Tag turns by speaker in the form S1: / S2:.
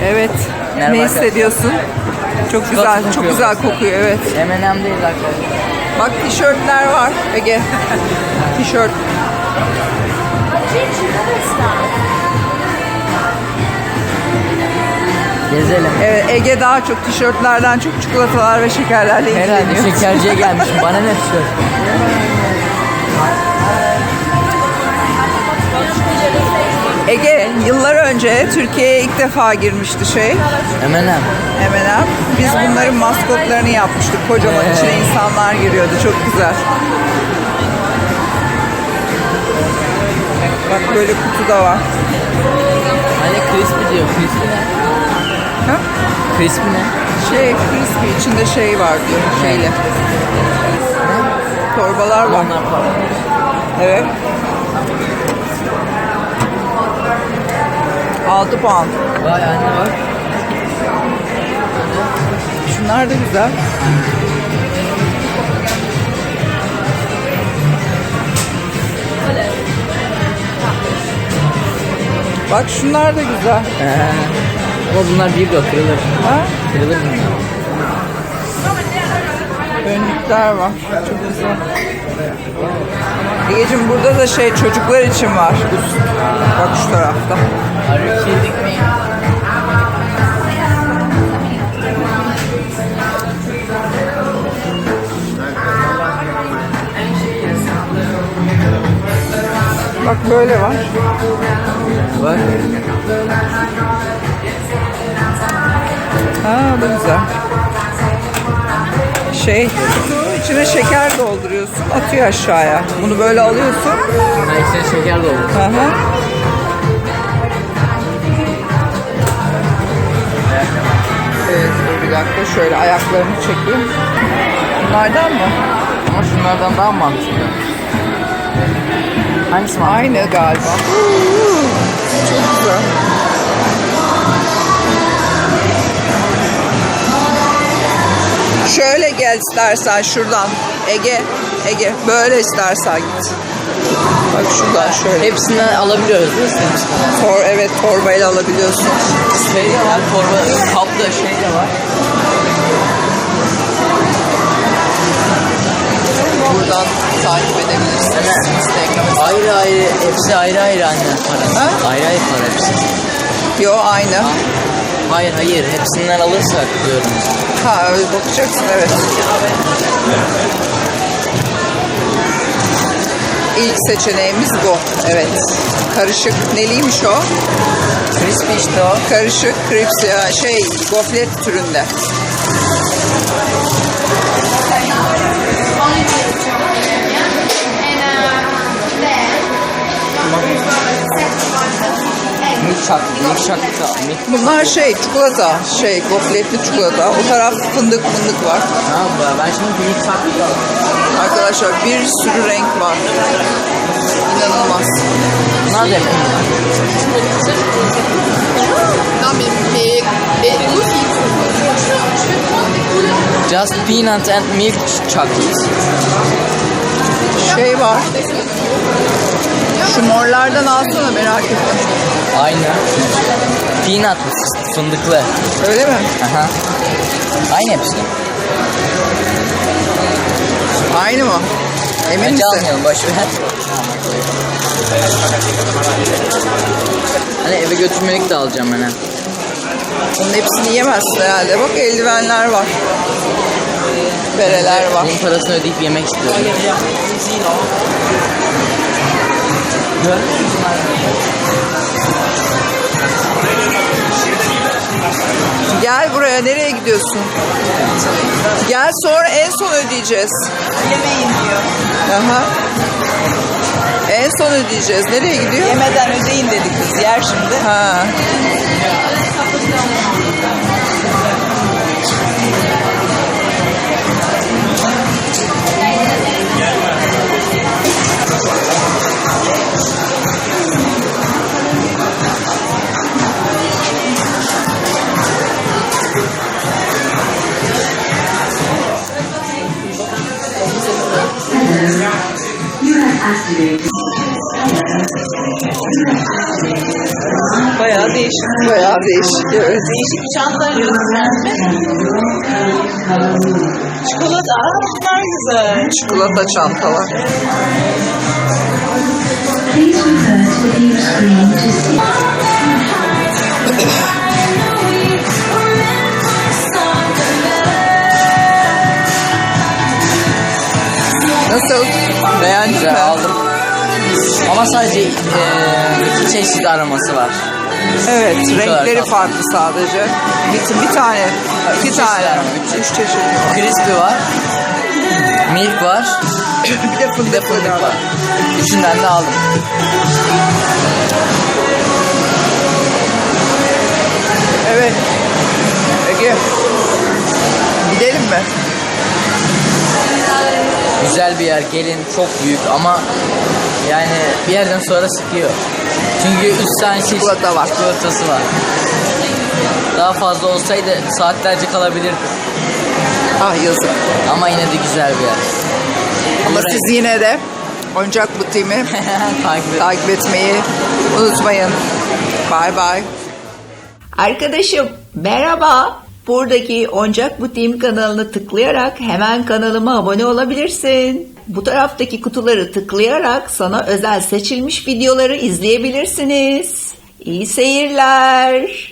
S1: Evet.
S2: Merhaba
S1: Ne
S2: arkadaşlar.
S1: hissediyorsun? Çok güzel, çok güzel kokuyor, evet.
S2: M&M değil arkadaşlar.
S1: Bak tişörtler var Ege. Tişört.
S2: Gezelim.
S1: Evet, Ege daha çok tişörtlerden çok çikolatalar ve şekerlerle
S2: Herhalde
S1: ilgileniyor.
S2: şekerciye gelmişim. Bana ne tişört?
S1: Ege yıllar önce Türkiye'ye ilk defa girmişti
S2: M&M.
S1: M&M. Biz bunların maskotlarını yapmıştık. Kocaman içine insanlar giriyordu. Çok güzel. Bak böyle kutu da var.
S2: Hani crispy diyor. Crispy ne?
S1: Ha?
S2: Crispy ne?
S1: Crispy içinde var diyor. Şeyle. Torbalar var.
S2: Onlar para.
S1: Evet. 6 pound.
S2: Vay anne bak.
S1: Şunlar da güzel. Bak şunlar da güzel.
S2: Ama bunlar bir kırılır.
S1: Ha?
S2: Kırılır bunlar.
S1: Önlükler var. Çok güzel. Egeciğim burada da çocuklar için var. Bak şu tarafta.
S2: Are you kidding me?
S1: Bak böyle var.
S2: Bak.
S1: Ha bu güzel. Kutu içine şeker dolduruyorsun, atıyor aşağıya. Bunu böyle alıyorsun.
S2: Ha içine şeker doldu.
S1: Hı hı. Evet, dur bir dakika şöyle ayaklarını çekeyim. Bunlardan mı?
S2: Ama şunlardan daha mantıklı. Hangisi mantıklı?
S1: Aynı galiba. Çok güzel. Şöyle gel istersen şuradan. Ege böyle istersen git. Bak şuradan şöyle.
S2: Hepsinden alabiliyoruz değil mi?
S1: Evet, torbayla alabiliyorsun.
S2: Şey de var, torba, kaplı de var.
S1: Buradan takip edebilirsin.
S2: Evet. Ayrı ayrı, hepsi ayrı ayrı anne para.
S1: Ha?
S2: Ayrı ayrı para hepsi.
S1: Yo aynı.
S2: Hayır, hepsinden alırsak diyorum.
S1: Ha öyle bakacaksın, evet. İlk seçeneğimiz bu. Evet. Karışık neliymiş o?
S2: Crispy işte o.
S1: Karışık crips goflet türünde. Bunlar çikolata, gofletli çikolata. O taraf fındık var.
S2: Ha, ben şimdi milk chocolate aldım.
S1: Arkadaşlar bir sürü renk var. İnanılmaz.
S2: Bunlar da yapayım. Just peanut and milk chocolate.
S1: Var. Şu morlardan alsana, merak ettim.
S2: Aynı. Peanut fındıklı.
S1: Öyle mi?
S2: Aha. Aynı hepsi.
S1: Aynı mı? Emin
S2: Bence
S1: misin?
S2: almayalım, boş ver. Hani eve götürmelik de alacağım ben.
S1: Bunun hepsini yemezsin herhalde. Bak eldivenler var. Bereler var.
S2: Bunun parasını ödeyip yemek istiyorum.
S1: Gel buraya, nereye gidiyorsun? Gel, sonra en son ödeyeceğiz.
S3: Yemeyin diyor.
S1: Aha. En son ödeyeceğiz. Nereye gidiyor?
S3: Yemeden ödeyin dedi kız. Yer şimdi.
S1: Ha.
S3: Bayağı değişik.
S1: Bayağı değişik. Evet.
S3: Değişik çanta gösterdi. Çikolata. Bunlar güzel.
S1: Çikolata çantalar.
S4: Please refer to the view screen to see.
S1: Nasıl? Beğendin
S2: Güzel
S1: mi?
S2: aldım. Ama sadece iki çeşit aroması var.
S1: Evet, renkleri
S2: tatlı.
S1: farklı sadece. Bir tane, iki
S2: Üç
S1: tane,
S2: çeşit var.
S1: üç çeşit.
S2: Crispy var. Milk var.
S1: Bir de fındıklı
S2: Fındık
S1: var.
S2: var. Üçünden de aldım.
S1: Evet. Ege. Gidelim mi?
S2: Güzel bir yer. Gelin, çok büyük ama yani bir yerden sonra sıkıyor. Çünkü 3 tane çeşit
S1: Çikolata var.
S2: çikolatası var. Daha fazla olsaydı saatlerce kalabilirdim.
S1: Ah yazık.
S2: Ama yine de güzel bir yer.
S1: Ama
S2: Burayı-
S1: siz yine de oyuncak butiğimi
S2: takip et.
S1: takip etmeyi unutmayın. Bye bye.
S5: Arkadaşım merhaba. Buradaki Oyuncak Butiğim kanalını tıklayarak hemen kanalıma abone olabilirsin. Bu taraftaki kutuları tıklayarak sana özel seçilmiş videoları izleyebilirsiniz. İyi seyirler.